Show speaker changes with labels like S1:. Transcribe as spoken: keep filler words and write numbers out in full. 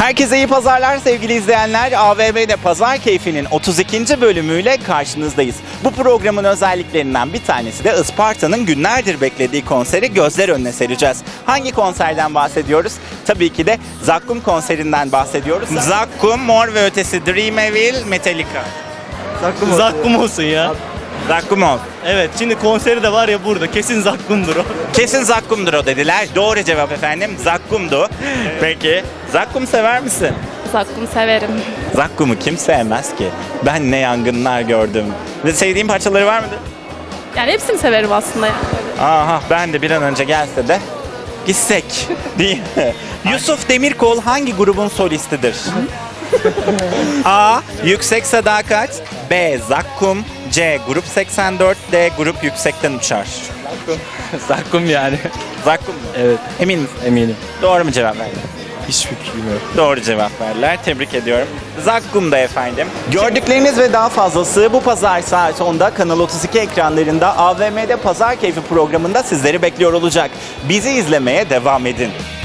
S1: Herkese iyi pazarlar sevgili izleyenler. A V M'de Pazar Keyfi'nin otuz ikinci bölümüyle karşınızdayız. Bu programın özelliklerinden bir tanesi de Isparta'nın günlerdir beklediği konseri gözler önüne sereceğiz. Hangi konserden bahsediyoruz? Tabii ki de Zakkum konserinden bahsediyoruz. Zakkum, Mor ve Ötesi, Dream Evil, Metallica.
S2: Zakkum olsun. Zakkum olsun ya.
S1: Zakkum ol.
S2: Evet, şimdi konseri de var ya burada. Kesin Zakkum'dur o.
S1: Kesin Zakkum'dur o dediler. Doğru cevap efendim. Zakkum'du. Peki. Zakkum sever misin?
S3: Zakkum severim.
S1: Zakkum'u kim sevmez ki? Ben ne yangınlar gördüm. Ve sevdiğin parçaları var mıdır?
S3: Yani hepsini severim aslında yani.
S1: Aha, ben de bir an önce gelse de gitsek. Değil mi? Yusuf Demirkol hangi grubun solistidir? A. Yüksek Sadakat, B. Zakkum, C. Grup seksen dört, D. Grup Yüksekten Uçar.
S2: Zakkum yani.
S1: Zakkum mu?
S2: Evet,
S1: Emin misin?
S2: eminim.
S1: Doğru mu cevap verdin?
S2: Hiçbir fikrim yok.
S1: Doğru cevap verdiler. Tebrik ediyorum. Zakkum'da efendim. Gördükleriniz ve daha fazlası bu pazar saat onda Kanal otuz iki ekranlarında A V M'de Pazar Keyfi programında sizleri bekliyor olacak. Bizi izlemeye devam edin.